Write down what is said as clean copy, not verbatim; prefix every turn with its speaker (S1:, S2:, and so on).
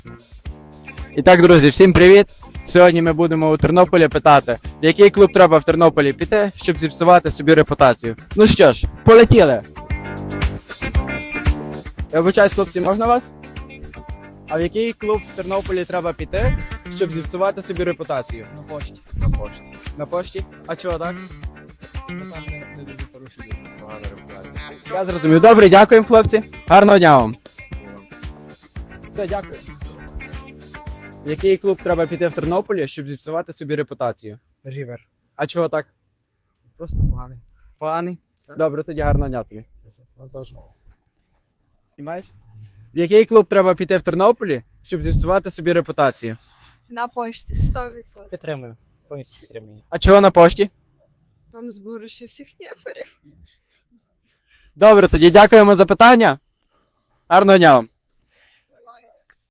S1: І так, друзі, всім привіт! Сьогодні ми будемо у Тернополі питати, в який клуб треба в Тернополі піти, щоб зіпсувати собі репутацію. Ну що ж, полетіли! Я вибачаюсь, хлопці, можна вас? А в який клуб в Тернополі треба піти, щоб зіпсувати собі репутацію?
S2: На пошті.
S1: На пошті. На пошті? А чого так?
S2: Там не дуже хороші люди. Погана репутація.
S1: Я зрозумів. Добре, дякуємо, хлопці. Гарного дня вам. Все, дякую. В який клуб треба піти в Тернополі, щоб зіпсувати собі репутацію?
S2: Рівер.
S1: А чого так?
S2: Просто поганий.
S1: Поганий? Добре, тоді гарного дня тобі.
S2: Ну, теж.
S1: Знімаєш? В який клуб треба піти в Тернополі, щоб зіпсувати собі репутацію?
S3: На пошті 100%.
S2: Підтримую. Повністю підтримую.
S1: А чого на пошті?
S3: Там зборище всіх неферів.
S1: Добре, тоді дякуємо за питання. Гарного дня вам.